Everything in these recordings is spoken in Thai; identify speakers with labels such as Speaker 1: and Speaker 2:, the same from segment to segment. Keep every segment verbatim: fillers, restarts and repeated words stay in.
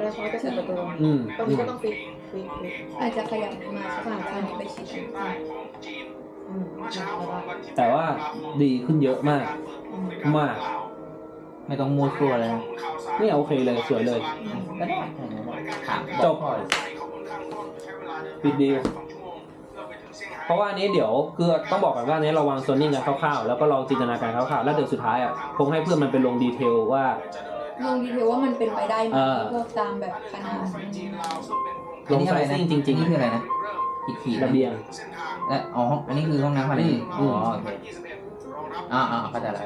Speaker 1: ได้เพราะจะเปิดประตู
Speaker 2: อืม
Speaker 1: ตรงนี้ก็ต้องฟิกฟิกฟิก
Speaker 3: อาจจะขยับมาสักหน่อยอันนี้ไปชิด
Speaker 1: อืมแล้วก็
Speaker 2: แต่ว่าดีขึ้นเยอะมาก มาก
Speaker 4: ไม่ต้องมัวตัวเลย
Speaker 2: นี่โอเคเลยสวยเลย
Speaker 4: ก็ได้ถาม
Speaker 2: จบปิดดีลเพราะว่าอันนี้เดี๋ยวคือต้องบอกก่อนว่าอันนี้เราวางโซนนิ่งกันคร่าวๆแล้วก็ลองจินตนาการคร่าวๆแล้วเดี๋ยวสุดท้ายอ่ะคงให้เพื่อนมันไปลงดีเทลว่า
Speaker 3: ลงดีเทลว่ามันเป็นไปได้ไหม
Speaker 2: เออ
Speaker 3: พวกตามแบบขนาด
Speaker 2: ลงไซซิ่งจริง
Speaker 4: นี่คืออะไรนะอีกขีด
Speaker 2: ๆระเบียง
Speaker 4: และอ๋ออันนี้คือห้องน้ำอะไร
Speaker 2: อื
Speaker 4: อ๋อ
Speaker 2: ม
Speaker 4: โอเคอ่าอ่าเข้าใจแล้ว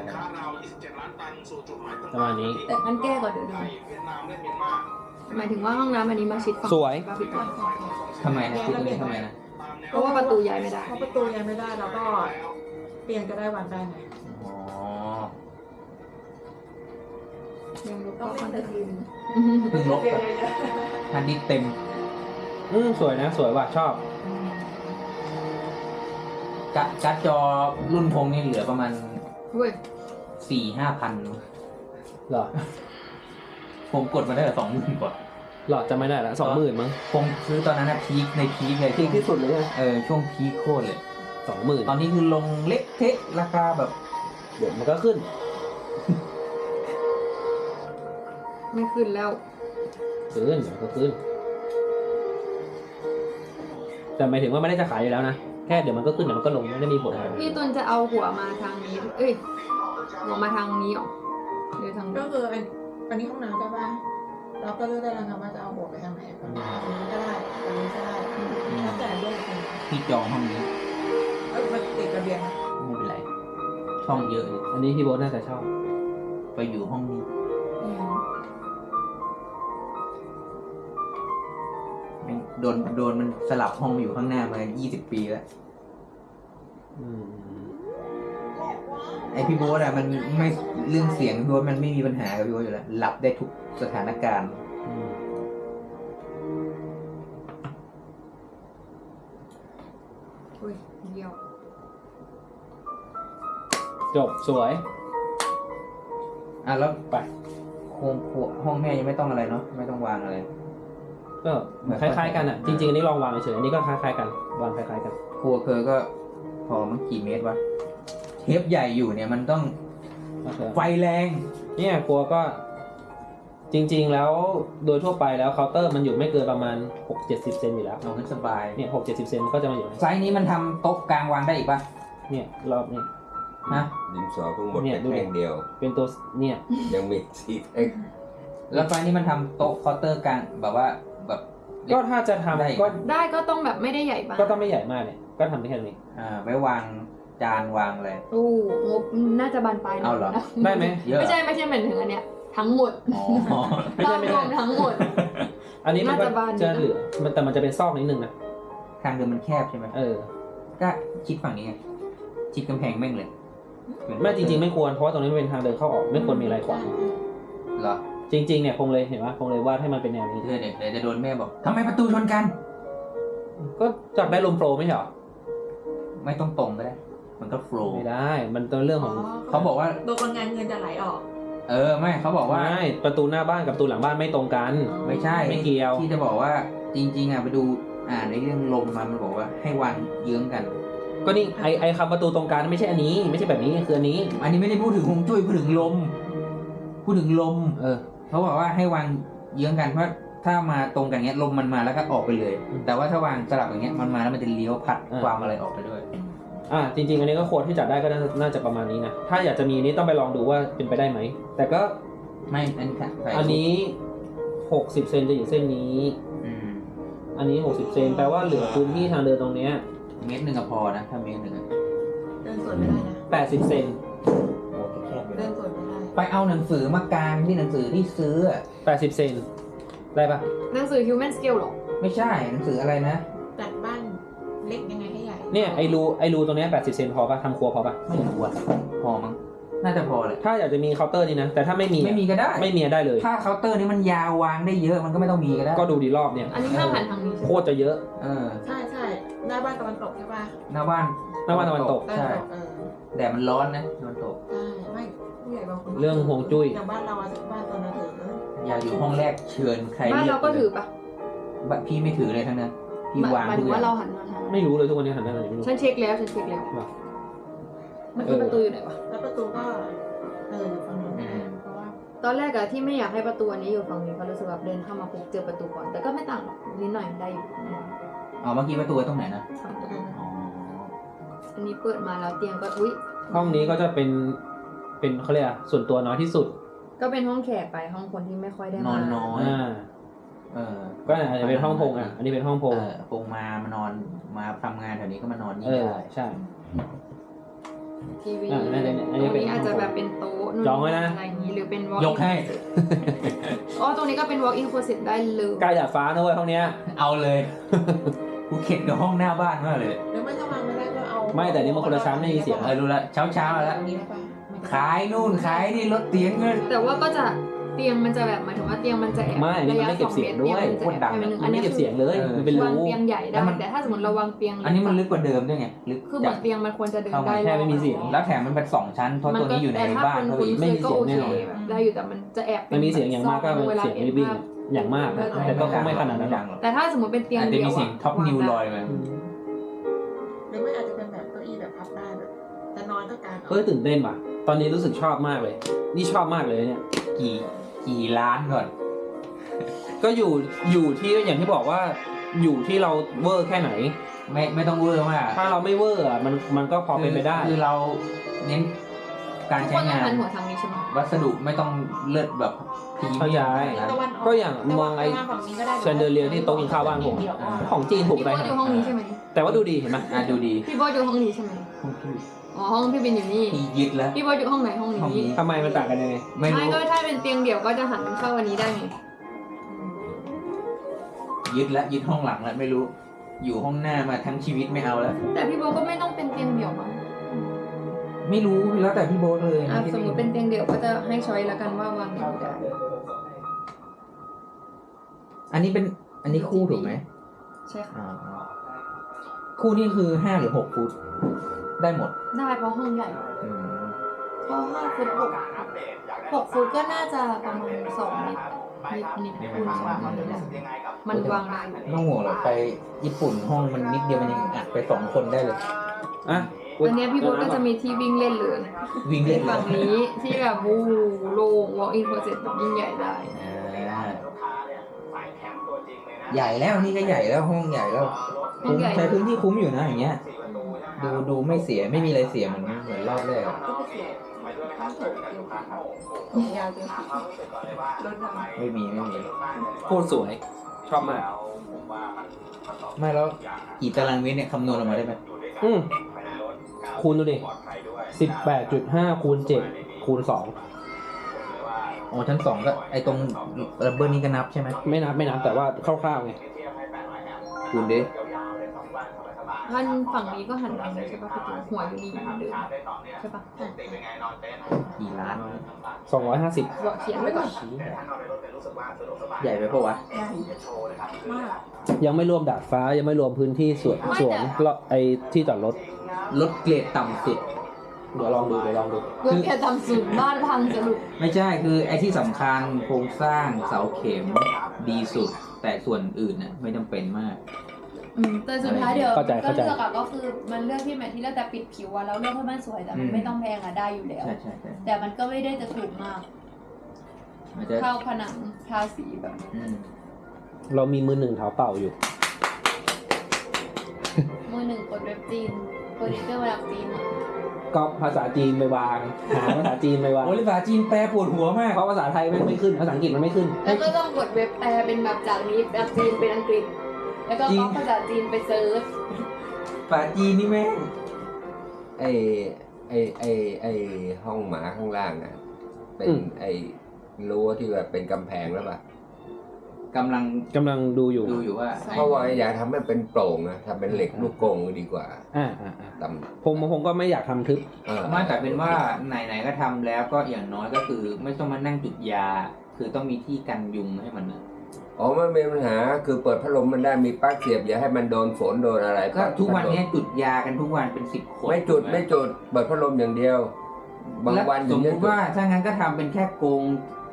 Speaker 2: ประมาณนี้
Speaker 3: แต่มันแก้ก่อนเดี๋ยวดูหมายถึงว่าห้องน้ำอันนี้มาชิดฝั่ง
Speaker 2: สวย
Speaker 3: บาปิดก่อน
Speaker 4: ทำไมนะคือตรงนี้ทำไมนะ
Speaker 3: เพราะว่าประตูย้ายไม่ได้
Speaker 1: เพราะประตูยังไม่ได้แล้วก็เปลี่ยนก็ได้วันได้ไง
Speaker 4: อ๋อ
Speaker 3: ยังรู้
Speaker 1: ต้อง
Speaker 3: ก็
Speaker 1: เล่
Speaker 3: คอน น
Speaker 1: แต่
Speaker 3: เท
Speaker 1: ที
Speaker 3: น
Speaker 1: ม
Speaker 3: ต์
Speaker 4: เพิ่งลบแบบฮันดิสเต็ม
Speaker 2: อืมสวยนะสวยว่ะชอบ
Speaker 4: การ์ดการ์ดจอรุ่นพงนี่เหลือประมาณ
Speaker 3: เว้ย
Speaker 4: สี่ห้าพัน
Speaker 2: เหรอ
Speaker 4: ผมกดมาได้แต่สองหมื่นกว่า
Speaker 2: หลอดจะไม่ได้ละสองหมื่นมั้ง
Speaker 4: ผมซื้อตอนนั้นนะพีคในพีคเลย
Speaker 2: พีคที่สุดเลย
Speaker 4: เออช่วงพีคโคตรเลย
Speaker 2: สองหมื่น
Speaker 4: ตอนนี้คือลงเละเทะราคาแบบ
Speaker 2: เดี๋ยวมันก็ขึ้น
Speaker 3: ไม่ขึ้นแล้ว
Speaker 2: ขึ้นเดี๋ยวก็ขึ้น แต่หมายถึงว่าไม่ได้จะขายอยู่แล้วนะแค่เดี๋ยวมันก็ขึ้นเดี๋ยวมันก็ลงไม่ได้มีผลอะไร
Speaker 3: พี่ตุนจะเอาหัวมาทางนี้ เอ้ย หัวมาทางนี้หรอหรือทาง
Speaker 1: ก็
Speaker 3: นี้
Speaker 1: คืออันอันนี้ห้องน้ำใช่ป่ะเราก็เลือกได้แล้วนะว่าจะเอาหัวไปทางไหนตรงนี้ก็ได้ตรงนี้ก็ได้แล้วแต่เลือกอีกที
Speaker 4: ที่จองห้องนี้
Speaker 1: เออมันติดระเบียงนะ
Speaker 4: ไม่เป็นไร ช่องเยอะเลย
Speaker 2: อันนี้พี่โบ๊ทน่าจะชอบ
Speaker 4: ไปอยู่ห้องนี้
Speaker 1: อืม
Speaker 4: แม่งโดนโดนมันสลับห้องมาอยู่ข้างหน้ามายี่สิบปีแล้ว
Speaker 2: อืม
Speaker 4: ไอพี่โบ๊ทอะมันไม่เรื่องเสียงพี่โบ๊ทมันไม่มีปัญหากับพี่โบ๊ทอยู่แล้วหลับได้ทุกสถานการณ์
Speaker 2: อืม
Speaker 3: อุ้ยเดียว
Speaker 2: จบสวย
Speaker 4: อ่ะแล้ว
Speaker 2: ไป
Speaker 4: โครงครัวห้องแม่ยังไม่ต้องอะไรเนาะไม่ต้องวางอะไร
Speaker 2: ก็คล้ายๆกันอ่ะ จริงๆอันนี้ลองวางเฉยๆอันนี้ก็คล้ายๆกันวางคล้ายๆกัน
Speaker 4: ครัวเคอก็พอมันกี่เมตรวะเทปใหญ่อยู่เนี่ยมันต้อง
Speaker 2: โอเค
Speaker 4: ไฟแรง
Speaker 2: เนี่ยครัวก็จริงๆแล้วโดยทั่วไปแล้วเคาน์เตอร์มันอยู่ไม่เกินประมาณหกเจ็ดสิบเซนอยู่แล้ว
Speaker 4: เอาขึ้นสบาย
Speaker 2: เนี่ยหกเจ็ดสิบเซนมันก็จะมาอยู่ใน
Speaker 4: ไซส์นี้มันทำโต๊ะกลางวางได้อีกปะ
Speaker 2: เนี่ยรอบนี้
Speaker 4: ฮะ
Speaker 5: ดินสอเพิ่งหมด
Speaker 2: เนี่ย
Speaker 5: ไป
Speaker 2: ดูดิ
Speaker 5: แท่งเดียว
Speaker 2: เป็นตัวเนี่ย
Speaker 5: ยังมีสีเอ็ก
Speaker 4: แล้วไซส์นี้มันทำโต๊ะเคาน์เตอร์กลางแบบว่าแบบ
Speaker 2: ก็ถ้าจะทำ
Speaker 4: ได้
Speaker 2: ก็
Speaker 3: ได้ก็ต้องแบบไม่ได้ใหญ่มาก
Speaker 2: ก็ต้องไม่ใหญ่มากเนี่ยก็ทำได้แค่นี้
Speaker 4: อ่าไว้วางจานวางอะไร
Speaker 3: อู้งบน่าจะบานปลาย
Speaker 4: เอาเหรอ
Speaker 3: นะ
Speaker 2: ได้ไหม
Speaker 4: เยอะ
Speaker 3: ไม่ใช่ไม่ใช่เหมือนถึงอันเนี้ย ทั้งหมด
Speaker 4: อ๋อ
Speaker 2: ไม่ใช่ไม่
Speaker 3: ร
Speaker 2: ใช่
Speaker 3: วมทั้งหมด
Speaker 2: อันนี้มันก็
Speaker 3: น่าจะบานอยู่
Speaker 2: จะ
Speaker 3: นะ
Speaker 2: เหลือมันแต่มันจะเป็นซอกนิดนึงนะ
Speaker 4: ทางเดินมันแคบใช่ไหม
Speaker 2: เออ
Speaker 4: ก็ชิดฝั่งนี้ไงชิดกำแพงแม่งเลย
Speaker 2: ไม่จริงๆไม่ควรเพราะว่าตรงนี้มันเป็นทางเดินเข้าออกไม่ควรมีอะไรขวาง
Speaker 4: เหรอ
Speaker 2: จริงๆเนี่ยคงเลยเห็นว่าคงเลยวาดให้มันเป็นแนวนี้
Speaker 4: เดี๋ยวเดี๋ยวเดี๋ยวจะโดนแม่บอกทำไมประตูชนกัน
Speaker 2: ก็จับได้ลมโฟลว์ไม่ใช่เหรอ
Speaker 4: ไม่ต้องตรงก็ได้ มันก็โฟล์
Speaker 2: ไม่ได้ มันเป็นเรื่องของ
Speaker 4: เขาบอกว่า
Speaker 1: โดยคนงานเงินจะไหลออก
Speaker 4: เออไม่เขาบอกว่า
Speaker 2: ไม่ประตูหน้าบ้านกับประตูหลังบ้านไม่ตรงกัน
Speaker 4: ไม่ใช่
Speaker 2: ไม่เกี่ยว
Speaker 4: ที่จะบอกว่าจริง ๆอ่ะไปดูอ่านในเรื่องลมมามันบอกว่าให้วางเยื้องกัน
Speaker 2: ก็นี่ไอไอคำประตูตรงกันไม่ใช่อันนี้ไม่ใช่แบบนี้คืออันนี้
Speaker 4: อันนี้ไม่ได้พูดถึงฮวงจุ้ยพูดถึงลม พูดถึงลม
Speaker 2: เออ
Speaker 4: เขาบอกว่าให้วางเยื้องกันเพราะถ้ามาตรงกันเงี้ยลมมันมาแล้วก็ออกไปเลย
Speaker 2: อืม
Speaker 4: แต่ว่าถ้าวางสลับอย่างเงี้ยมันมาแล้วมันจะเลี้ยวพัด
Speaker 2: อ่า
Speaker 4: ความอะไรออกไปด้วย
Speaker 2: อ่าจริง ๆ อันนี้ก็ควรที่จัดได้ก็น่าน่าจะประมาณนี้นะถ้าอยากจะมีนี้ต้องไปลองดูว่าเป็นไปได้ไหมแต่ก็
Speaker 4: ไม่อันนี้ใส่
Speaker 2: อันนี้หกสิบเซนจะอยู่เส้นนี้
Speaker 4: อืม
Speaker 2: อันนี้หกสิบเซนแปลว่าเหลือพื้นที่ทางเดินตรงเนี้ย
Speaker 4: เมตรหนึ่งก็พอนะถ้าเมตรหนึ่งอะ
Speaker 1: เดินสวนไม่ได้นะ
Speaker 2: แปดสิบเซน
Speaker 4: โอ้แคบๆอยู่
Speaker 1: เดิ
Speaker 4: นะ
Speaker 1: นสวนไม่ได้
Speaker 4: ไปเอาหนังสือมากางที่หนังสือที่ซื้ออะ
Speaker 2: แปดสิบเซนได้ปะ
Speaker 3: หนังสือ human scale หรอ
Speaker 4: ไม่ใช่หนังสืออะไรนะ
Speaker 1: จัดบ้านเล็กยังไงให้ใหญ่
Speaker 2: เนี่ยไอรูไอรูตรงเนี้ยแปดสิบเซนพอปะทำครัวพอปะ
Speaker 4: ไม่รู้อะพอมั้งน่าจะพอเลย
Speaker 2: ถ้าอยากจะมีเคาน์เตอร์นี่นะแต่ถ้าไม่มีอะ
Speaker 4: ไม่มีก็ได้
Speaker 2: ไม่มีได้เลย
Speaker 4: ถ้าเคาน์เตอร์นี้มันยาววางได้เยอะมันก็ไม่ต้องมีก็ได้
Speaker 2: ก็ดูดีรอบเนี่ย
Speaker 3: อันนี้ห้ามหันทางนี้ใช่
Speaker 2: โค
Speaker 3: ไหม
Speaker 2: ตรจะเยอะ
Speaker 4: เออ
Speaker 1: ใช่ใช่หน้าบ้านตะวันตกใช่ป่ะ
Speaker 4: หน้าบ้าน
Speaker 2: หน้าบ้านตะวันตก
Speaker 1: ตะวัน
Speaker 4: ใช่
Speaker 1: ตกเออ
Speaker 4: แดดมันร้อนนะตะวันตก
Speaker 1: ใช่ไม่ผู้ใหญ่บางคน
Speaker 2: เรื่องฮวงจุ้ย
Speaker 1: อย่างบ้านเราอะบ้านตอนนั้นถือ
Speaker 4: อยากอยู่ห้องแรกเชิญใคร
Speaker 3: บ้านเราก็ถือปะ
Speaker 4: บ้านพี่ไม่ถือเลยทั้งนั้นพี่วาง
Speaker 3: หมาย
Speaker 4: ทุ
Speaker 3: ถึ
Speaker 4: ก
Speaker 3: ง
Speaker 4: อย่า
Speaker 3: ว่าง เราหันมาทาง
Speaker 2: ไม่รู้เลยทุกวันนี้หันหน้าไหนไม่รู้
Speaker 3: ฉันเช็คแล้วฉันเช็คแล้ว
Speaker 2: ว่ะ
Speaker 3: เมื่อกี้ประตูอยู่ไหนวะ
Speaker 1: แล้วประตูก็เอออยู่ฝั่งนู้นเพราะว่า
Speaker 3: ตอนแรกอะที่ไม่อยากให้ประตูอันนี้อยู่ฝั่งนี้เพราะรู้สึกแบบเดินเข้ามาปุ๊บเจอประตูก่อน แต่ก็ไม่ต่างหรอกนิดหน่อยได้อยู่
Speaker 4: อ๋อเมื่อกี้ประตูตรงไหนนะ
Speaker 3: ฝั่งประตู
Speaker 4: อ๋อ
Speaker 3: อันนี้เปิดมาแล้วเตียงก็อุ้ย
Speaker 2: ห้องนี้ก็จะเป็นเป็นเขาเรียกอะส่วนตัวน้อยที่สุด
Speaker 3: ก็เป็นห้องแขกไปห้องคนที่ไม่ค่อยได้
Speaker 4: น
Speaker 3: มา
Speaker 4: อนน้อย
Speaker 2: อ่า
Speaker 4: เออ
Speaker 2: ก็อาจจะเป็นห้องพงอ่ะ อันนี้เป็นห้องพง
Speaker 4: เออพงมามานอนมาทำงานแถวนี้ก็มานอนนี่
Speaker 2: เออ
Speaker 4: ได้
Speaker 2: ใช่
Speaker 3: ทีวี
Speaker 2: อ่ะนั่นๆๆอันนี้
Speaker 3: ตรง
Speaker 2: เป็น
Speaker 3: นี้อาจจะแบบเป็นโต๊ะนู่น
Speaker 2: จองไว้นะ
Speaker 3: อะไรอย่างนี้หรือเป็น walk
Speaker 4: ยกให้
Speaker 3: อ๋อตรงนี้ก็เป็น walk in closet ได้เลย
Speaker 2: ใกล้ดาดฟ้านะเว้ยห้องเนี้ย
Speaker 4: เอาเลย กูเข็ดกับห้องหน้าบ้านมากเลย
Speaker 1: หรือไม่ถ้าวางไม่ได้ก็เอา
Speaker 2: ไม่แต่นี่มันคนละชั้นไม่มีเสียง
Speaker 4: เออรู้ละเช้าเช้าๆแล้ว
Speaker 1: ตรงนี้ได้ปะ
Speaker 4: ขายนู่นขายนี่รถเตียงเงิน
Speaker 3: แต่ว่าก็จะเตียงมันจะแบบหมายถึงว่าเตียงมันจะแอบ
Speaker 2: ไม่อันนี้มันไม่เก็บเสียงด้วย
Speaker 3: ระะสอมตรเตีงมันจะแอบไปนิดนึง
Speaker 2: มั
Speaker 3: อั
Speaker 2: น
Speaker 3: น
Speaker 2: ไม่
Speaker 3: นี้
Speaker 2: เก็บ
Speaker 3: คือ
Speaker 2: เสียงเลย มันเป็น
Speaker 3: วาง
Speaker 2: รู
Speaker 3: เตียงใหญ่
Speaker 4: แล้
Speaker 3: ได้
Speaker 4: วมัน
Speaker 3: แต่ถ้าสมมติเราวางเตียงเล็ก
Speaker 4: อันนี้มันลึกกว่าเดิมด้วยไงลึก
Speaker 3: คือเหมือนเตียงมันควรจะเดินได้
Speaker 2: แค่ไม่มีเสียง
Speaker 4: แล้วแถมมันเป็นสองชั้นเพราะตัวนี้อยู่ในบ้าน
Speaker 3: แต่
Speaker 4: เขา
Speaker 3: ถ้า
Speaker 4: อีก
Speaker 3: คน
Speaker 2: ไม่
Speaker 3: คุ้น
Speaker 2: มี
Speaker 3: เคย
Speaker 2: เสี
Speaker 3: ก็
Speaker 2: ยง
Speaker 3: โอ
Speaker 2: แน่นอน
Speaker 3: เคแบบได้อยู่แต่มันจะแอบ
Speaker 2: มันมีเสียงอย่างมากก็เป็นเสียงริบบิ้งอย่างมากนะแต่ก็ไม่ขนาดนั้นหรอก
Speaker 3: แต่ถ้าสมมติเป็นเตียง
Speaker 4: อาจจะ
Speaker 3: เดี่ยว
Speaker 4: มีเสียงท็อปนิวลอยมา
Speaker 1: หรือไม่อาจจะเป็นแบบเก้าอี้แบบพับได้แบบจะนอนก็กาง
Speaker 2: เฮ้ยตื่นเต้นว่ะ ตอนนี้รู้สึกชอบมากเลย นี่ชอบมากเลยเนี่ย
Speaker 4: กี่กี่ล้านก่อน
Speaker 2: ก็อยู่อยู่ที่อย่างที่บอกว่าอยู่ที่เราเวอร์แค่ไหน
Speaker 4: ไม่ไม่ต้องเวอร์มาก
Speaker 2: ถ้าเราไม่เวอร์อ่ะมันมันก็พอเป็นไปได้
Speaker 4: คือเราเน้นการ
Speaker 3: ทุก
Speaker 4: ใช้
Speaker 3: คนต้อง
Speaker 4: งาน
Speaker 3: หันหัวทางนี้ใช่ไหม
Speaker 4: วัสดุไม่ต้องเลิศแบบพรี
Speaker 2: เข้า
Speaker 4: เมีย
Speaker 2: ใจ
Speaker 4: มขนาดนั้น
Speaker 1: ตะวัน
Speaker 2: ก็อย่างมองไอ้
Speaker 1: ฝั่งนี้ก็ได้
Speaker 2: เชนเดอเลียร์ที่โต๊ะกินข้าวบ้านผม
Speaker 1: เดี๋ยวก็
Speaker 2: ของจีนถูก
Speaker 3: พี่
Speaker 2: ไป
Speaker 3: โบ๊ทอยู่ห้องนี้ใช่ไหม
Speaker 2: แต่ว่าดูดีเห็นไหม
Speaker 4: อ่ะดูดี
Speaker 3: พี่โบ๊ทอยู่ห้องนี้ใช่ไหม
Speaker 4: ห้องพี่
Speaker 3: อ๋อห้องพี่บินอยู่นี่
Speaker 4: พี่ยึดแล้ว
Speaker 3: พี่โบ๊ทอยู่ห้องไหนห้อง
Speaker 4: ห้องนี้
Speaker 3: นี้
Speaker 2: ทำไมมันต่างกันยังไง
Speaker 4: ไม่
Speaker 3: ไม่
Speaker 4: รู้
Speaker 3: ก็ถ้าเป็นเตียงเดี่ยวก็จะหันเข้าอันนี้ได้ไง
Speaker 4: ยึดแล้วยึดห้องหลังแล้วไม่รู้ อยู่ห้องหน้ามาทั้งชีวิตไม่เอาแล้ว
Speaker 3: แต่พี่โบ๊ทก็ไม่ต้องเป็นเตียงเดี่ยวมั้ง
Speaker 4: ไม่รู้แล้วแต่พี่โบ๊ทเลย
Speaker 3: อ่ะ
Speaker 4: ไได้
Speaker 3: สมมติเป็นเตียงเดี่ยวก็จะให้ช้อยแล้วกันว่าวางไหนได้
Speaker 4: อันนี้เป็นอันนี้คู่ถูกไหม
Speaker 3: ใช่ค่ะ
Speaker 4: อ่าคู่นี่คือห้าหรือหกฟุตได้หมด
Speaker 3: ได้เพราะห้องใหญ่
Speaker 4: อืม
Speaker 1: เพราะห้าฟุตหกหกฟุตก็น่าจะประมาณสองเมตร
Speaker 3: นิดนิดคูณสองมันได้มันวางได้
Speaker 4: ไม่ต้องห่วงหรอกไปญี่ปุ่นห้องมันนิดเดียวมันยังอัดไปสองคนได้เลย
Speaker 2: อ่ะ
Speaker 3: อันเนี้ยพี่โบ๊ทก็จะมีที่วิ่งเล่นเลย
Speaker 4: วิ่ง
Speaker 3: ใน
Speaker 4: เล่น
Speaker 3: ฝั่งนี้ที่แบบวูโล่ง walk in closet แบบยิ่งใหญ่ได้
Speaker 4: อ่าใหญ่แล้วนี่ก็ใหญ่แล้วห้องใหญ่แล้ว
Speaker 3: ห้องใหญ่
Speaker 4: ใช้พื้นที่คุ้มอยู่นะอย่างเงี้ย ดูดูไม่เสียไม่มีอะไรเสียเหมือนเหมือนรอบแรกอะ
Speaker 1: ก็ไปเสียต้องถูกเดียวกันยาวเกินสีรถดำ
Speaker 4: ไม่มีไม่มี
Speaker 2: โคตรสวย ชอบมาก
Speaker 4: ไม่แล้วกี่ตารางเมตรเนี่ยคำนวณออกมาได้ไหม
Speaker 2: อืมคูณดูดิสิบแปดจุดห้าคูณเจ็ดคูณสอง
Speaker 4: อ๋อชั้นสองก็ไอตรงระเบิดนี้ก็นับใช่ไหม
Speaker 2: ไม่นับไม่นับแต่ว่าคร่าวๆไง
Speaker 4: คูณดิ
Speaker 3: ท่านฝั่งนี้ก็หันไปใช่ปะพี่ตัวหัวอยู่นี่เหมือนเดิมใช่ปะ
Speaker 4: กี่ล้าน
Speaker 2: สองร้อยห้าสิบ
Speaker 3: บอกเขียนไว้ก่อน
Speaker 4: ใหญ่ไปปะวะ
Speaker 1: ใหญ่มาก
Speaker 2: ยังไม่รวมดาดฟ้ายังไม่รวมพื้นที่สวนสวนแล้วไอ้ที่จอดรถ
Speaker 4: ลดเกรดต่ำสุด
Speaker 2: เดี๋ยวลองดูเดี๋ยวลองดู
Speaker 3: เพื่อแค่ทำสูตรบ้านพังสรุป
Speaker 4: ไม่ใช่คือไอ้ที่สำคัญโครงสร้างเสาเข็มดีสุด แต่ส่วนอื่นน่ะไม่จำเป็นมาก
Speaker 3: อืม
Speaker 6: แต่สุดท้ายเดี๋ยว
Speaker 2: เข้าใจ
Speaker 6: ก็
Speaker 2: เข้าใจ
Speaker 6: เลือกอะก็คือมันเลือกที่แมทที่เลือกแต่ปิดผิวอะแล้วเลือกให้มันสวยแต่มัน
Speaker 4: อืม
Speaker 6: ไม่ต้องแพงอะได้อยู่แล้ว
Speaker 4: ใช่ใช่ใช่
Speaker 6: แต่มันก็ไม่ได้จะถูกมาก
Speaker 4: อาจจะ
Speaker 6: เข้าผนังทาสีแบบ
Speaker 4: อืม
Speaker 2: เรามีมือหนึ่งเท้าเปล่าอยู่
Speaker 6: มือหนึ่งกดเว็บจีนโปรดิวเซอร์มาจากจีนอะ
Speaker 2: ก็ภาษาจีนไปวางหาภาษาจีนไปวาง
Speaker 4: โอ้ยภาษาจีนแปลปวดหัวมาก
Speaker 2: เพราะภาษาไทยมันไม่ขึ้นภาษาอังกฤษมันไม่ขึ้น
Speaker 6: แล้วก็ต้องกดเว็บแปลเป็นแบบจากนี้จากจีนเป็นอังกฤษ แล้วก็
Speaker 4: จริง
Speaker 6: ก๊อปภาษาจีนไปเซิร์ช
Speaker 4: ภาษาจีนนี่แม่ง
Speaker 5: ไอไอไอไอห้องหมาข้างล่างอ่ะ เป็น
Speaker 2: อืม
Speaker 5: ไอรั้วที่แบบเป็นกำแพงแล้วป่ะ
Speaker 4: กำลัง
Speaker 2: กำลังดูอยู่
Speaker 4: ดูอยู่ว่า
Speaker 5: เพราะว่าอยากทำให้เป็นโปร่งนะทำเป็นเหล็กลูกกรงดีกว่า
Speaker 2: อ่าอ่าอ่า
Speaker 5: ต่
Speaker 2: ผมผมก็ไม่อยากทำทึบ
Speaker 5: ำเออ
Speaker 4: ไม่แต่เป็นว่าไหนๆก็ทำแล้วก็อย่างน้อยก็คือ ไม่ต้องมานั่งจุดยา คือต้องมีที่กันยุงให้มันนะ
Speaker 5: อ๋อไม่มีปัญหาคือเปิดพัดลมมันได้มีปลั๊กเสียบอย่าให้มันโดนฝนโดนอะไร
Speaker 4: ก็ทุกวันนี้จุดยากันทุกวันเป็นสิบคน
Speaker 5: ไม่จุดไม่จุดเปิดพัดลมอย่างเดียว บาง
Speaker 4: แล้ว
Speaker 5: วัน
Speaker 4: ส
Speaker 5: ถึ
Speaker 4: ม
Speaker 5: ง
Speaker 4: ม
Speaker 5: จะ
Speaker 4: ติ
Speaker 5: จุด
Speaker 4: ว่าถ้างั้นก็ทำเป็นแค่กรงเล็ก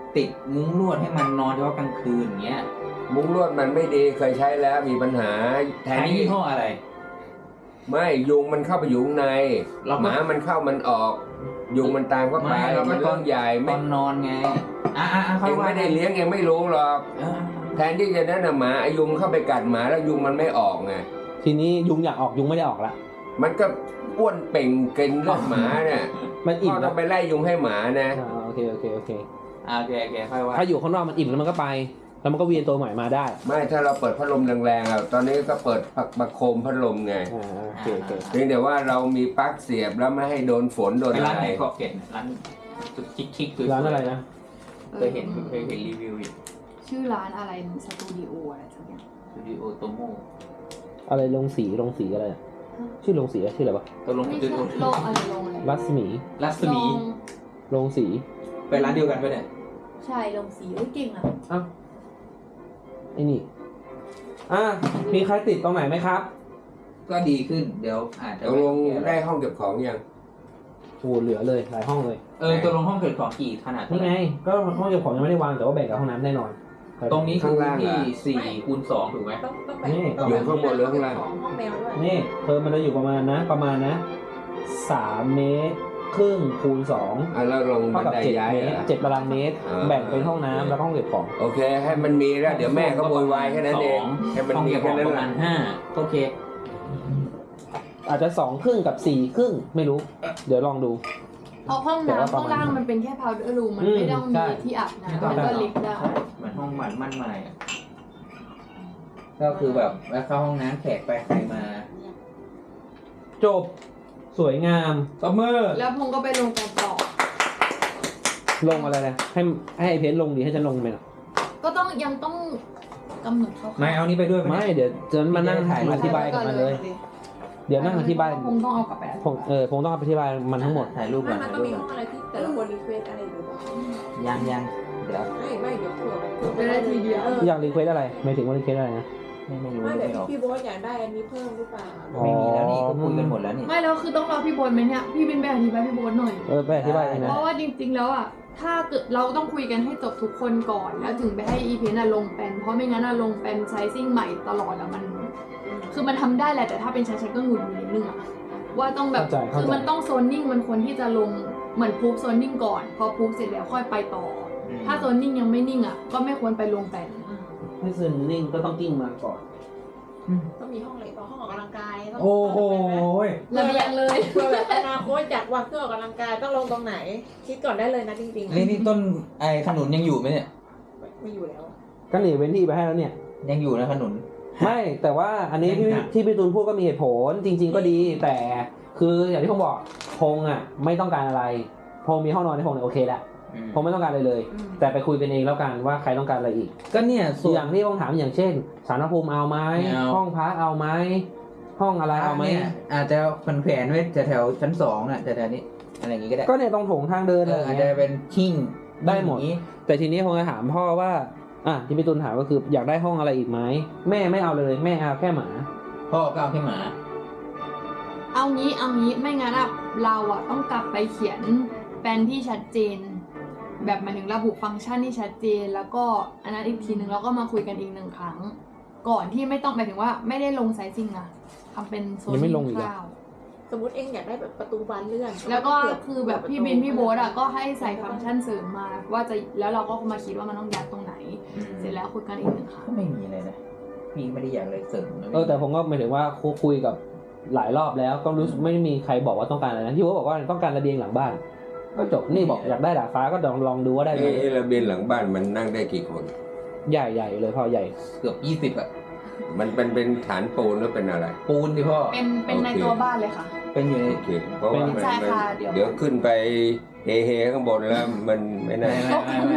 Speaker 4: ติดมุ้งลวดให้มันนอนเฉพาะกลางคืนอย่างเงี้ย
Speaker 5: มุ้งลวดมันไม่ดีเคยใช้แล้วมีปัญหาแทน
Speaker 4: ใช้
Speaker 5: ที่
Speaker 4: ยี่ห้ออะไร
Speaker 5: ไม่ยุงมันเข้าไปอยู่ข้างใน
Speaker 4: เราก็
Speaker 5: หมามันเข้ามันออก ยุงมันตามเข้าไป
Speaker 4: ไม่เราก็
Speaker 5: มันเรื่องใหญ่
Speaker 4: ต
Speaker 5: ไม่
Speaker 4: อนนอนไงอ่ะอ่ะอ่ะ
Speaker 5: เองไม่ได้เลี้ยงเองไม่รู้หรอก
Speaker 4: เออ
Speaker 5: แทนที่จะนั่นน่ะหมาไอายุงเข้าไปกัดหมาแล้วยุงมันไม่ออกไง
Speaker 2: ทีนี้ยุงอยากออกยุงไม่ได้ออกละ
Speaker 5: มันก็อ้วนเป่งกินเลือดหมาเนี่ย
Speaker 2: มันอิ่
Speaker 5: พ่
Speaker 2: ม
Speaker 5: อต้
Speaker 2: แล้
Speaker 5: อ
Speaker 2: ว
Speaker 5: งไปไล่ยุงให้หมานะ
Speaker 2: อ่าโอเคโอเคโอเค
Speaker 4: อ่ะโอเคโอเคค่อยว่า
Speaker 2: ถ้าอยู่ข้างนอกมันอิ่มแล้วมันก็ไป แล้วมันก็เวียนตัวใหม่มาได้
Speaker 5: ไม่ถ้าเราเปิดพัดลมแรงๆอ่ะตอนนี้ก็เปิดประโคมพัดลมไง
Speaker 2: อ่าโอเคโอเค
Speaker 5: เพียงแต่ว่าเรามีปลั๊กเสียบแล้วไม่ให้โดนฝนโดน
Speaker 4: ไป
Speaker 5: อะ
Speaker 4: ร้าน
Speaker 5: ไร
Speaker 4: ไหนขอบเขตร้านสุดชิคๆสวยๆ
Speaker 2: ร้านอะไรนะ
Speaker 4: เคยเห็นเคยเห็นรีวิวอยู่
Speaker 3: ชื่อร้านอะไรสตูดิโออะไรสักอย่าง
Speaker 4: สตูดิโอโตโม
Speaker 2: อะไรลงสีลงสีอะไรอะชื่อลงสีอะชื่ออะไรวะ
Speaker 4: ตกลงส
Speaker 3: ไม่
Speaker 4: ตู
Speaker 3: ใช่
Speaker 4: ดิโอ
Speaker 3: โลกอะไรโลงอะไร
Speaker 2: รัศมี
Speaker 4: รัศมี
Speaker 3: โรง
Speaker 2: ลงสี
Speaker 4: ไปร้านเดียวกันปะเนี่ย
Speaker 3: ใช่ลงสีเอ้ยเก่งอ่ะ
Speaker 2: อ้าวไอ้นี่อ่ะมีใครติดตรงไหนไหมครับ
Speaker 4: ก็ดีขึ้นเดี๋ยวอาจจะ
Speaker 5: ตกลงได้ห้องเก็บของยัง
Speaker 2: โอ้เหลือเลยหลายห้องเลย
Speaker 4: เออตกลงห้องเกิดของกี่ขนาด
Speaker 2: นี่ไง ก็ห้องเก็บของยังไม่ได้วางแต่ว่าแบ่งกับห้องน้ำแน่นอน
Speaker 4: ตรงนี้คือพื้นที่สี่คูณสองถูกไหม
Speaker 1: ต้องต้องแบ่
Speaker 2: นี่
Speaker 1: ต้อง
Speaker 5: อยู่
Speaker 1: แบ่
Speaker 5: ข้างบนหรือข้างล่าง
Speaker 1: ของห้องแมวด้วย
Speaker 2: นี่เพิ่มมันจะอยู่ประมาณนะ ประมาณนะสามเมตรครึ่งคูณสอง
Speaker 5: อ่ะแล้วลงบั
Speaker 2: เท่าน กับ
Speaker 5: ได
Speaker 2: เจ็ด
Speaker 5: ย้าย
Speaker 2: เมตร
Speaker 5: เหรอ
Speaker 2: เจ็ดตารางเมตร
Speaker 5: อ่า
Speaker 2: แบ่งเป็นห้องน้ำแล้วก็ห้องเก็บของ
Speaker 5: โอเค ให้มันมีแล้วเดี๋ยวแม่ก็โวยวายแค่นั้นเอง
Speaker 4: ส
Speaker 5: ให้มัน
Speaker 4: ห้อง
Speaker 5: มี
Speaker 4: เก็บข
Speaker 5: แค่
Speaker 4: อง
Speaker 5: นั้น
Speaker 4: ประ
Speaker 5: แห
Speaker 4: มา
Speaker 5: ละ
Speaker 4: ณห้าโอเค
Speaker 2: อาจจะสองครึ่งกับสี่ครึ่งไม่รู้ เดี๋ยวลองดู
Speaker 3: เพราะห้อง
Speaker 2: แต่ว่า
Speaker 3: น้ำ
Speaker 2: ป
Speaker 3: ข้า
Speaker 2: ระ
Speaker 3: ง
Speaker 2: มาณ
Speaker 3: ล่างมันเป็นแค่ powder room มัน
Speaker 2: อืม
Speaker 3: ไม่ต้อง
Speaker 2: ใช่
Speaker 3: มีที่อาบน้ำมันก็ลิฟต์ได้
Speaker 4: เหมือนห้องหมันมั่นหมายอะก็คือแบบแล้วเข้าห้องน้ำแขกไปใครมา
Speaker 2: จบสวยงามตบมือ
Speaker 3: แล้วพงก็ไปลงกันต่อ
Speaker 2: ลงอะไรนะให้ให้ไอเพนลงดีให้ฉันลงไปหน่อย
Speaker 3: ก็ต้องยังต้องกำหนดเขา
Speaker 4: นายเอานี้ไปด้วยไหม
Speaker 2: ไม่เดี๋ยวจะมานั่ง
Speaker 4: ถ่ายรูป
Speaker 2: อธิบายกับมันเลย เดี๋ยวนั่งอธิบาย
Speaker 3: คงต้องเอากลับไป
Speaker 2: ผมเออผมต้องอธิบายมันทั้งหมด
Speaker 4: ถ่ายรูป
Speaker 1: ไม่
Speaker 4: ก่อน
Speaker 1: มัน
Speaker 4: ถ่าย
Speaker 1: ต้อง
Speaker 4: รูป
Speaker 1: มี
Speaker 4: ก่
Speaker 1: ห้
Speaker 4: อ
Speaker 1: อน งอะไรที่แต่ละคนรีเควสอะไรหรือเปล่า
Speaker 4: ยังยังเดี๋ยว
Speaker 1: ไม่ไม่เดี๋ยวเผื่อมัน
Speaker 3: จะได้ทีเดียว
Speaker 1: เออ
Speaker 2: อยากรีเควสอะไรหมายถึงว่ารีเควสอะไรนะ
Speaker 4: ไม่ไม่รู้
Speaker 1: ไม่
Speaker 4: ไม่
Speaker 1: เดี๋ยว
Speaker 4: ออก
Speaker 1: พี่โบ๊ทอยากได้อันนี้เพิ่มหรือเปล่า
Speaker 4: ไม่มีแล้วนี่ก็คุยกันหมดแล้วนี่
Speaker 3: ไม่แล้วคือต้องรอพี่โบนไหมเนี่ยพี่บินไปอธิบายพี่โบนหน่อย
Speaker 2: เออไปอธิบายเองนะ
Speaker 3: เพราะว่าจริงๆแล้วอ่ะถ้าเกิดเราต้องคุยกันให้จบทุกคนก่อน แล้วถึงไปให้อีเพนอะลงแปลนเพราะไม่งั้นอะลงแปลนไซซิ่งใหม่ตลอดอะมัน คือมันทำได้แหละแต่ถ้าเป็นฉันฉันก็หงุดหงิดนิดนึงอะว่าต้องแบบ
Speaker 2: เข้าใจเข้าใจ
Speaker 3: คือมันต้องโซนนิ่งมันควรที่จะลงเหมือนพูฟโซนนิ่งก่อน พอพูฟเสร็จแล้วค่อยไปต่ออ
Speaker 4: ม
Speaker 3: ถ้าโซนนิ่งยังไม่นิ่งอะก็ไม่ควรไปลงแปลน
Speaker 2: ให้ซึนนิ่งก็ต้องกิ้งมาก่อน
Speaker 1: ต้องมีห้องอะไรต่อห้องออกกำลังกายต้อง
Speaker 2: โอ้โห
Speaker 3: ระเบียงเลย
Speaker 1: เพื่อแบบอนาคตอยากวางเครื่องออกกำลังกายต้องลงตรงไหน คิดก่อนได้เลยนะจริงๆ
Speaker 4: นี่นี่ต้นไอ้ขนุนยังอยู่ไหมเนี่ย
Speaker 1: ไม่อยู่แล้ว
Speaker 2: ก็หนีเว้นที่ไปให้แล้วเนี่ย
Speaker 4: ยังอยู่นะขนุน
Speaker 2: ไม่แต่ว่าอันนี้ที่
Speaker 4: ยัง
Speaker 2: ที่พี่ตูนพูดก็มีเหตุผลจริง ๆ ก็ดี แต่คืออย่างที่ผมบอกพงอ่ะไม่ต้องการอะไรพงมีห้องนอนในพงเนี่ยโอเคแหละ
Speaker 4: อืม
Speaker 2: พงไม่ต้องการอะไรเลย
Speaker 1: อืม
Speaker 2: แต่ไปคุยกันเองแล้วกันว่าใครต้องการอะไรอีก
Speaker 4: ก็เนี่ยส่วน
Speaker 2: อย่างที่ผมถามอย่างเช่นสารภูมิเอาไหม
Speaker 4: ไม่เอา
Speaker 2: ห้องพักเอาไหมห้องอะไรเอาไหม
Speaker 4: เนี่ยอาจจะแขวนๆไว้แถวๆชั้นสองน่ะแถวๆนี้อะไรอย่างงี้ก็ได้
Speaker 2: ก็เนี่ยตรงโถงทางเดิน
Speaker 4: เอ
Speaker 2: อะไร
Speaker 4: อ
Speaker 2: อ
Speaker 4: อาจ
Speaker 2: ย่าง
Speaker 4: จะ
Speaker 2: เงี้ย
Speaker 4: เป็นชิ่ง
Speaker 2: ได้หมด
Speaker 4: อย่างงี้
Speaker 2: แต่ทีนี้ผมจะถามพ่อว่าอ่ะที่พี่ตูนถามก็คืออยากได้ห้องอะไรอีกไหมแม่ไม่เอาเลยแม่เอาแค่หมา
Speaker 4: พ่อก็เอาแค่หมา
Speaker 3: เอางี้เอางี้ไม่งั้นอะเราอะต้องกลับไปเขียนแปลนที่ชัดเจน แบบหมายถึงระบุฟังก์ชันที่ชัดเจน แล้วก็อันนั้นอีกทีหนึ่งแล้วก็มาคุยกันอีกหนึ่งครั้ง ก่อนที่ไม่ต้องหมายถึงว่าไม่ได้ลงไซซิ่งนะทำเป็นโซน
Speaker 2: ยังไม่ลงอีกเหรอ
Speaker 3: คร่าว
Speaker 1: สมมติเองอยากได้แบบประตูบานเลื่อน
Speaker 3: แล้วก็คือแบบพี่บินพี่โบ๊ทอะก็ให้ใส่ฟังก์ชันเสริมมา ว่าจะแล้วเราก็มาคิดว่ามันต้องยัดตรงไหน เสร็จแล้วคุยกันอีกหนึ่งครั้ง
Speaker 4: ก็ไม่มีอะไรนะพี่ไม่ได้อยากอะไรเสริมนะ
Speaker 2: เออแต่ผมก็หมายถึงว่าคุยกับหลายรอบแล้วก็รู้สึกไม่มีใครบอกว่าต้องการอะไรนะที่ว่าบอกว่าต้องการระเบียงหลังบ้าน ก็จบนี่บอกอยากได้ดาดฟ้าก็ลองลองดูว่าได้ไหม
Speaker 5: เอ๊ะระเบียงหลังบ้านมันนั่งได้กี่คน
Speaker 2: ใหญ่ใหญ่เลยพ่อใหญ่
Speaker 4: เกือบยี่สิบอะ
Speaker 5: มันเป็นเป็นฐานปูนหรือเป็นอะไร
Speaker 4: ปูนดิพ่อ
Speaker 3: เป็นเป็นใน
Speaker 5: โอเค
Speaker 3: ตัวบ้านเลยค่ะ
Speaker 4: เป็นอยู่ใน
Speaker 5: โอเคเพราะว่ามัน
Speaker 3: ใช่
Speaker 5: มัน
Speaker 3: ค่ะเดี๋ยว
Speaker 5: เดี๋ยวขึ้นไปเฮเฮข้างบนแล้วมันไม่น่า
Speaker 4: ไม่ไม่ไม่ไม่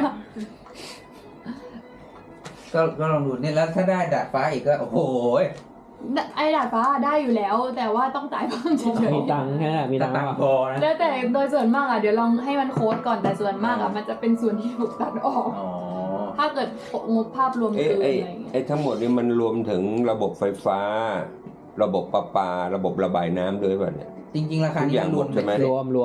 Speaker 4: ก็ก็ลองดูเนี่ยแล้วถ้าได้ดาดฟ้าอีกก็โอ้โห
Speaker 3: ไอ้ดาดฟ้าได้อยู่แล้ว แต่ว่าต้องจ่ายเพิ่มเฉย
Speaker 2: มีตังค์แค่นั้นมีตังค์
Speaker 4: ตัง
Speaker 2: มาก
Speaker 4: ค์พอนะ
Speaker 3: ๆแล้วแต่โดยส่วนมากอ่ะเดี๋ยวลองให้มันโค้ดก่อนแต่ส่วนมากอ่ะมันจะเป็นส่วนที่ถูกตัดออก
Speaker 4: อ๋อ
Speaker 3: ถ้าเกิดงบภาพรวม
Speaker 5: เอ๊ะ
Speaker 3: เกินอะไร
Speaker 5: ไอ้
Speaker 3: อย่างเงี้ย
Speaker 5: ไอ้ทั้งหมดนี้มันรวมถึงระบบไฟฟ้า ระบบประปา ระบบระบายน้ำด้วยป่ะเนี่ย
Speaker 4: จริงๆราคา
Speaker 5: ทุก
Speaker 4: นี้
Speaker 5: อย่าง
Speaker 4: รวม
Speaker 5: หมดใช่ไหม
Speaker 2: รวมรวม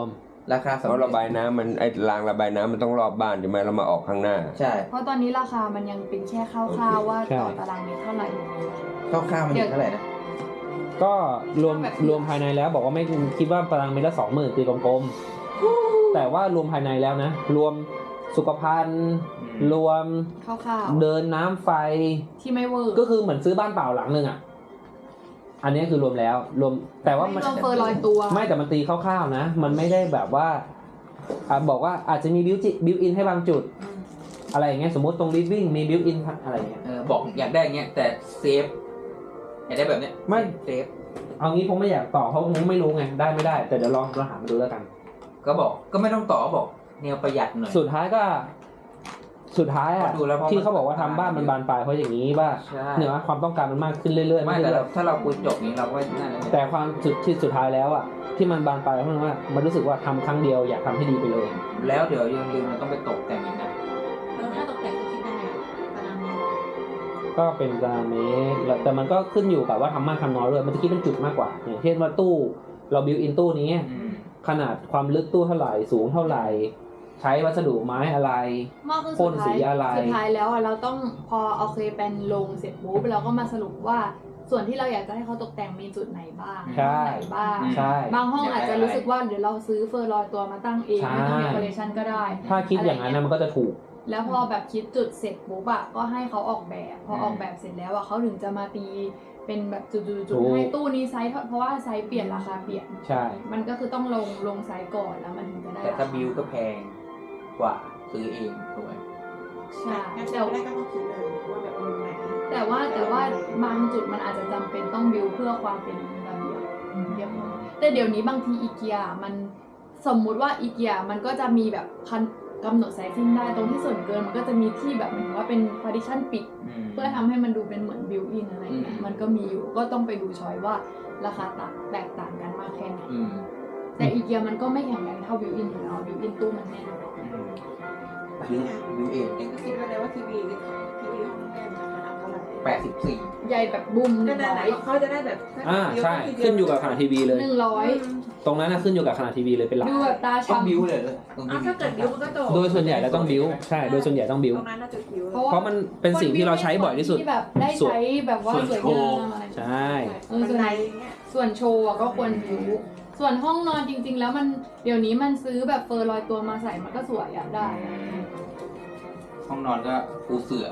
Speaker 4: ราคาสำ
Speaker 5: เพราะ
Speaker 4: เร็
Speaker 5: ระ
Speaker 4: จ
Speaker 5: บายน้ำมันไอ้รางระบายน้ำมันต้องรอบบ้านใช่ไหมเรามาออกข้างหน้า
Speaker 4: ใช่
Speaker 3: เพราะตอนนี้ราคามันยังเป็นแค่คร่าวๆว่า
Speaker 2: ใช่
Speaker 3: ต่อตารางเมตรเท่าไหร่
Speaker 4: คร่าวๆมันอยู่เท่าไหร่นะ
Speaker 2: ก็รวม
Speaker 3: แบบ
Speaker 2: รวมภายในแล้วบอกว่าไม่คิดว่าตารางเมตรละสองหมื่นตีกลมๆแต่ว่ารวมภายในแล้วนะ รวมสุขภัณฑ์ รวม
Speaker 3: คร่าว
Speaker 2: เดินน้ำไฟ
Speaker 3: ๆที่ไม่เวอร์
Speaker 2: ก็คือเหมือนซื้อบ้านเปล่าหลังหนึ่งอ่ะ อันนี้คือรวมแล้ว รวมแต่ว่ามัน
Speaker 3: ไม่รวมเฟอร์ลอยตัว
Speaker 2: ไม่แต่มันตีคร่าวๆนะ มันไม่ได้แบบว่าอ่ะบอกว่าอาจจะมีบิวจิบิวอินให้บางจุด อะไรอย่างเงี้ยสมมติตรงลิฟวิ่งมีบิวอินอะไรอย่างเงี้ย
Speaker 4: เออบอกอยากได้อย่างเงี้ยแต่เซฟอยากได้แบบเนี้ย
Speaker 2: ไม่
Speaker 4: เซฟ
Speaker 2: เอางี้ผมไม่อยากต่อเพราะผมไม่รู้ไงได้ไม่ได้ แต่เดี๋ยวลองเราหามาดูแล้วกัน
Speaker 4: ก็บอกก็ไม่ต้องต่อบอกแนวประหยัดหน่อย
Speaker 2: สุดท้ายก็ สุดท้ายอ่ะ
Speaker 4: ดูแล้วเพราะ
Speaker 2: ที่เขาบอกว่าทำบ้านมันบานปลายเพราะอย่างนี้ว่า
Speaker 4: ใช่
Speaker 2: เนี่ยว่าความต้องการมันมากขึ้นเรื่อยๆ
Speaker 4: ไม่
Speaker 2: ไม่
Speaker 4: แต่
Speaker 2: เรื่
Speaker 4: เรา
Speaker 2: อย
Speaker 4: ถ้าเราคุยจบนี้เราก็น่าจะ
Speaker 2: ๆแต่ความสุดที่สุดท้ายแล้วอ่ะที่มันบานปลายเพราะว่ามันรู้สึกว่าทำครั้งเดียวอยากทำให้ดีไปเลย
Speaker 4: แล้วเดี๋ยวยังลืมมันต้องไปตกแต่งอีกนะ
Speaker 1: แล้วถ้าตกแต่งก็คิดยังไงตารางเมตร
Speaker 2: ก็เป็นตารางเมตรแล้วแต่มันก็ขึ้นอยู่กับว่าทำมากทำน้อยด้วยมันจะคิดเป็นจุดมากกว่าอย่างเช่นว่าตู้เราบิวอินตู้นี้
Speaker 4: อืม
Speaker 2: ขนาดความลึกตู้เท่าไหร่สูงเท่าไหร่ ใช้วัสดุไม้อะไร
Speaker 3: มากคือ
Speaker 2: พ่
Speaker 3: สุ
Speaker 2: น
Speaker 3: ด
Speaker 2: สี
Speaker 3: ท้าย
Speaker 2: อะไร
Speaker 3: สุดท้ายแล้วอะเราต้องพอโอเคเป็นลงเสร็จปุ๊บเราก็มาสรุปว่าส่วนที่เราอยากจะให้เขาตกแต่งมีจุดไหนบ้าง
Speaker 2: ใช่
Speaker 3: ห้องไหนบ้าง
Speaker 2: ใช่
Speaker 3: บางห้องอาจจะรู้สึกว่าเดี๋ยวเราซื้อเฟอร์ลอยตัวมาตั้งเอง
Speaker 2: ใช่
Speaker 3: ไม่ต้องเดคอเรชันก็ได้
Speaker 2: ถ้าคิดอย่างนั้นนะมันก็จะถูก
Speaker 3: แล้วพอแบบคิดจุดเสร็จปุ๊บอะก็ให้เขาออกแบบ พอออกแบบเสร็จแล้วอะเขาถึงจะมาตีเป็นแบบจุ
Speaker 2: ถู
Speaker 3: ด
Speaker 2: ก
Speaker 3: ๆๆให้ตู้นี้ไซส์เท่าเพราะว่าไซส์เปลี่ยนราคาเปลี่ยน
Speaker 2: ใช่
Speaker 3: มันก็คือต้องลงลงไซส์ก่อนแล้วมันถึงจะได้
Speaker 4: แต่ถ้า
Speaker 3: ราค
Speaker 4: บิวก็แพงกว่าซื้อเองถูกไหม
Speaker 3: ใช่
Speaker 1: งั้น
Speaker 3: แต่
Speaker 1: จะไม่ได้ก็ต้องคิดเลยว่าแบบมุมไหน
Speaker 3: แต่ว่าแต่ว่าบางจุดมันอาจจะจำเป็นต้องบิวเพื่อความเป็นระเบียบเรียบร้อยแต่เดี๋ยวนี้บางทีอีเกียมันสมมุติว่าอีเกียมันก็จะมีแบบคันกำหนดไซซิ่งได้ตรงที่ส่วนเกินมันก็จะมีที่แบบเหมือนว่าเป็น partition ปิด
Speaker 4: อืม
Speaker 3: เพื่อทำให้มันดูเป็นเหมือนบิวอินอะไรเงี้ย
Speaker 4: อืม
Speaker 3: มันก็มีอยู่ก็ต้องไปดูช้อยว่าราคาต่างแตกต่างกันมากแค่ไหน
Speaker 4: อืม
Speaker 3: แต่อีเกียมันก็ไม่แข็งแรงเท่าบิวอินอยู่แล้วบิวอินตู้มันแน่น
Speaker 4: บิวบิวเอง
Speaker 1: เองก็คิดไว้เลยว่าทีวีทีวีห้องแม่มันขนาดเท่าไหร่
Speaker 4: แปดสิบสี่
Speaker 3: ใหญ่แบบบุ้มห
Speaker 1: นั่
Speaker 3: นึ่
Speaker 1: น
Speaker 3: ง
Speaker 1: แห
Speaker 3: ร้
Speaker 1: ละ
Speaker 3: อย
Speaker 1: เขาจะได้แบบ
Speaker 2: อ่าใช่ขึ้นอยู่กับขนาดทีวีเลย
Speaker 3: หนึ่งร้อย
Speaker 2: ตรงนั้นนะขึ้นอยู่กับขนาดทีวีเลยเป็นหลัก
Speaker 3: ดูแบบตา
Speaker 4: ต้อง
Speaker 3: ช้ำ
Speaker 4: บิวเลยตรง
Speaker 1: อ้าวถ้าเกิดบิวมันก็จบ
Speaker 2: โดยส่วนใหญ่แล้วต้องบิวใช่โดยส่วนใหญ่ต้องบิว
Speaker 1: ตรงนั้นน่าจะบิว
Speaker 3: เพราะว่า
Speaker 2: เพราะมันเป็นสิ่งที่เราใช้บ่อยที่สุด
Speaker 3: ที่แบบได้ใช้แบบว่าสวยงามอะไร
Speaker 2: ใช่
Speaker 3: เออ
Speaker 1: บั
Speaker 3: ส่
Speaker 1: น
Speaker 3: วน
Speaker 1: ไดอย่างเงี้ย
Speaker 3: ส่วนโชว์อะก็ควรบิวส่วนห้องนอนจริง ๆ แล้วมันเดี๋ยวนี้มันซื้อแบบเฟอร์ลอยตัวมาใส่มันก็สวยอะได้
Speaker 4: ห้องนอนก็ปูเสื่อ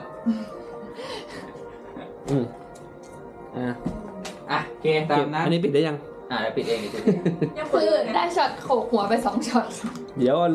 Speaker 2: อืมอ่ะ
Speaker 4: อ่ะโอเคตามนั้น
Speaker 2: อันนี้ปิดได้ยัง
Speaker 4: อ่ะเดี๋ยวปิดเองเดี๋ยวปิดเอง
Speaker 1: ยัง
Speaker 3: คือ
Speaker 1: เปิด
Speaker 3: ได้ช็อตโขกหัวไปสองช็อต
Speaker 2: เดี๋ยว